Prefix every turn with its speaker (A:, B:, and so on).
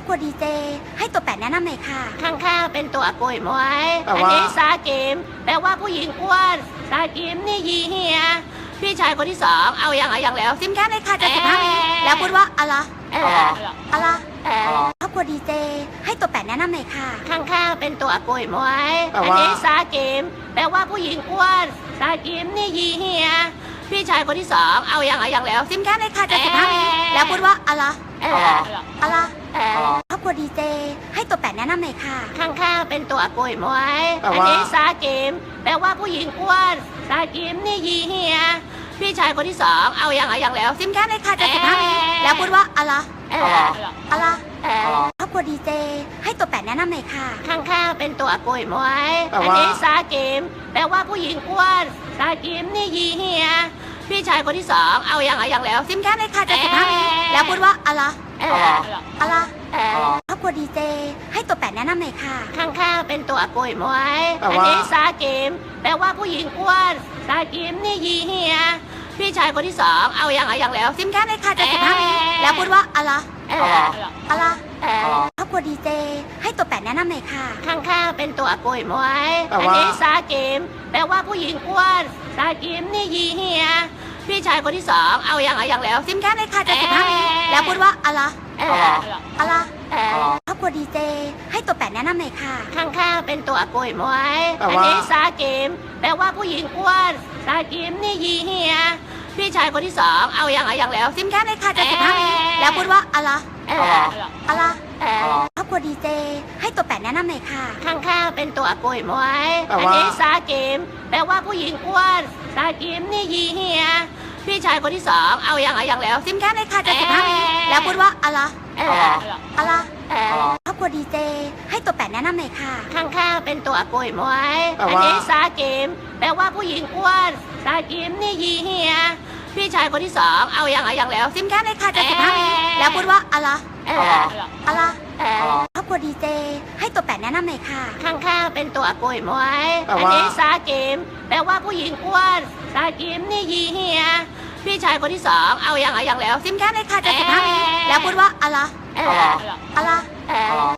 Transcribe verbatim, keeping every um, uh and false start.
A: ครัวดีเจให้ตัวแปดแนะนำหน่อยค่ะ
B: ข้างๆเป็นตัวป่วยมวย
C: แต่
B: อัน
C: ว่า
B: นี้ซากิมแปลว่าผู้หญิงอ้วนซากิมนี่ยีเฮียพี่ชายคนที่สองเอาอย่างเอาอย่างแล้ว
A: ซิมแค่เลยค่ะจะสิบห้าวิแล้วพูดว่าอะไร
B: เออ
A: อะไร
B: เออ
A: ครอบครัวดีเจให้ตัวแปดแนะนำหน่อยค่ะ
B: ข้างๆเป็นตัวป่วยมวย
C: แต่
B: อัน
C: ว่า
B: นี้ซากิมแปลว่าผู้หญิงอ้วนซากิมนี่ยีเฮียพี่ชายคนที่สองเอาอย่างเอาอย่างแล้ว
A: ซิมแค่เลยค่ะจะสิบห้าวิแล้วพูดว่าอะไร
B: เออ
A: อะไร
B: เออ
A: ครอบครัวดีเจให้ตัวแปดแนะนำหน่อยค่ะ
B: ข้างๆเป็นตัวป่วยมวย
C: แต่
B: อัน
C: ว่า
B: นี้ซากิมแปลว่าผู้หญิงอ้วนซากิมนี่ยีเฮียพี่ชายคนที่สองเอาอย่างเอาอย่างแล้ว
A: ซิมแค่เลยค่ะจะสิบห้าวิแล้วพูดว่าอะไร
B: เออ
A: อะไร
B: เออ
A: ครอบครัวดีเจให้ตัวแปดแนะนำหน่อยค่ะ
B: ข้างๆเป็นตัวป่วยมวย
C: แต่
B: อัน
C: ว่า
B: นี้ซากิมแปลว่าผู้หญิงอ้วนซากิมนี่ยีเฮียพี่ชายคนที่สองเอาอย่างเอาอย่างแล้ว
A: ซิมแค่เลยค่ะจะสิบห้าวิแล้วพูดว่าอะไร
B: เออ
A: อะไร
B: เออ
A: ครอบครัวดีเจให้ตัวแปดแนะนำหน่อยค่ะ
B: ข้างๆเป็นตัวป่วยมวย
C: แต่
B: อัน
C: ว่า
B: นี้ซากิมแปลว่าผู้หญิงอ้วนซากิมนี่ยีเฮียพี่ชายคนที่สองเอาอย่างเอาอย่างแล้ว
A: ซิมแค่เลยค่ะจะสิบห้าวิแล้วพูดว่าอะไร
B: เออ
A: อะไร
B: เออ
A: ครอบครัวดีเจให้ตัวแปดแนะนำหน่อยค่ะ
B: ข้างๆเป็นตัวป่วยมวย
C: แต่
B: อัน
C: ว่า
B: นี้ซากิมแปลว่าผู้หญิงอ้วนซากิมนี่ยีเฮียพี่ชายคนที่สองเอาอย่างเอาอย่างแล้ว
A: ซิมแค่เลยค่ะจะสิบห้าวิแล้วพูดว่าอะไร
B: เออ
A: อะไร
B: เออ
A: ครอบครัวดีเจให้ตัวแปดแนะนำหน่อยค่ะ
B: ข้างๆเป็นตัวป่วยมวย
C: แต่
B: อัน
C: ว่า
B: นี้ซากิมแปลว่าผู้หญิงอ้วนซากิมนี่ยีเฮียพี่ชายคนที่สองเอาอย่างเอาอย่างแล้ว
A: ซิมแค่เลยค่ะจะสิบห้าวิแล้วพูดว่าอะไร
B: เออ
A: อะไร
B: เออ
A: ครอบครัวดีเจให้ตัวแปดแนะนำหน่อยค่ะ
B: ข้างๆเป็นตัวป่วยมวย
C: แต่
B: อัน
C: ว่า
B: นี้ซากิมแปลว่าผู้หญิงอ้วนซากิมนี่ยีเฮียพี่ชายคนที่สองเอาอย่างเอาอย่างแล้ว
A: ซิมแค่เลยค่ะจะสิบห้าวิแล้วพูดว่าอะไร
B: เออ
A: อะไร
B: เออ
A: ครอบครัวดีเจให้ตัวแปดแนะนำหน่อยค่ะ
B: ข้างๆเป็นตัวป่วยมวย
C: แต่
B: อัน
C: ว่า
B: นี้ซากิมแปลว่าผู้หญิงอ้วนซากิมนี่ยีเฮียพี่ชายคนที่สองเอาอย่างเอาอย่างแล้ว
A: ซิมแค่เลยค่ะจะสิบห้าวิแล้วพูดว่าอะไร
B: เออ
A: อะไร
B: เออ
A: ครอบครัวดีเจให้ตัวแปดแนะนำหน่อยค่ะ
B: ข้างๆเป็นตัวป่วยมวย
C: แต่
B: อัน
C: ว่า
B: นี้ซากิมแปลว่าผู้หญิงอ้วนซากิมนี่ยีเฮียพี่ชายคนที่สองเอาอย่างเอาอย่างแล้ว
A: ซิมแค่เลยค่ะจะสิบห้าวิแล้วพูดว่าอะไร
B: เออ
A: อะไร
B: เออ